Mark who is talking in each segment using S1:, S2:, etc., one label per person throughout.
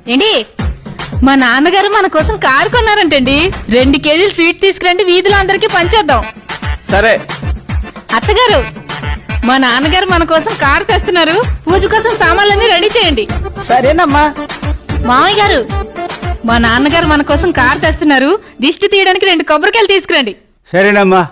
S1: ఏంటి మా నాన్నగారు మన కోసం కారు కొన్నారంటండి. 2 కేజీలు స్వీట్ తీసుకురండి, వీధిలో అందరికీ పంచేద్దాం.
S2: సరే.
S1: అత్తగారు, మా నాన్నగారు మన కోసం కారు తెస్తున్నారు, పూజ కోసం సామాన్లన్నీ రెడీ చేయండి.
S2: సరేనమ్మా.
S1: మామయ్య గారు, మా నాన్నగారు మన కోసం కారు తెస్తున్నారు, దిష్టి తీయడానికి 2 కొబ్బరికాయలు తీసుకురండి.
S2: సరేనమ్మా.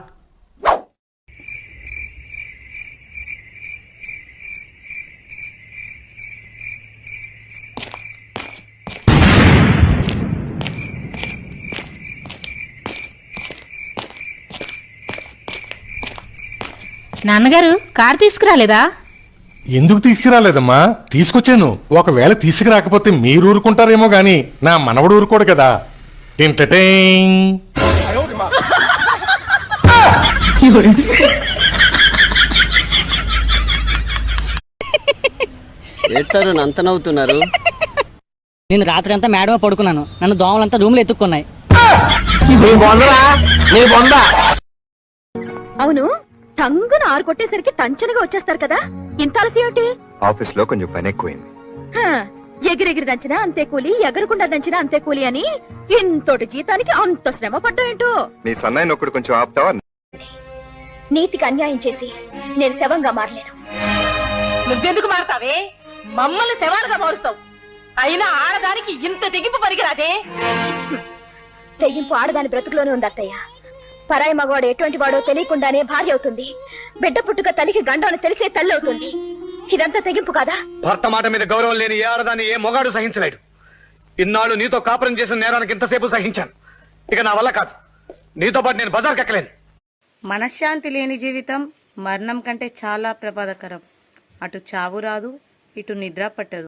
S1: నాన్నగారు కారు తీసుకురాలేదా?
S3: ఎందుకు తీసుకురాలేదమ్మా? తీసుకొచ్చాను. ఒకవేళ తీసుకురాకపోతే మీరు ఊరుకుంటారేమో గాని నా మనవడు ఊరుకోడు కదా.
S4: ఏడ్చారు, అంత నవ్వుతున్నారు.
S5: నేను రాత్రి అంతా మేడమే పడుకున్నాను, నన్ను దోమలంతా రూమ్లో ఎత్తుక్కున్నాయి.
S6: అవును, టంగున 6 కొట్టేసరికి టంచనగా వచ్చేస్తారు కదా, ఇంత ఆలస్యం ఏమిటి?
S7: ఆఫీస్ లో కొంచెం పని ఎక్కువైంది.
S6: ఎగిరెగిరి దంచినా అంతే కూలి, ఎగరకుండా దంచినా అంతే కూలి అని ఇంతటి జీతానికి అంత శ్రమ పడ్డాయేంటో.
S7: నీ సన్నాయి నొక్కుడు కొంచెం ఆపుతావా?
S6: నీతికి అన్యాయం చేసి నేను శవంగా మారలేను.
S8: నువ్వెందుకు మారుతావే? మమ్మల్ని శవాలుగా మారుస్తావు. అయినా ఆడదానికి ఇంత తెగింపు పనికిరాదే.
S6: తెగింపు ఆడదాని బ్రతుకులోనే ఉంది అత్తయ్య. పరాయి మగవాడు ఎటువంటి వాడో తెలియకుండానే భార్య అవుతుంది, బిడ్డ పుట్టుక తల్లికి గండం తెలిసే తల్లి అవుతుంది. ఇదంతా తెగింపు కాదా?
S9: భర్త మాట మీద గౌరవం లేని ఏ ఆడదాన్ని ఏ మొగాడు సహించలేడు. ఇన్నాళ్ళు నీతో కాపురం చేసిన నేరానికి ఇంతసేపు సహించాను. ఇక నా వల్ల కాదు. నీతో పాటు నేను బజార్కి ఎక్కలేను.
S10: మనశ్శాంతి లేని జీవితం మరణం కంటే చాలా ప్రమాదకరం. అటు చావు రాదు, ఇటు నిద్ర పట్టదు.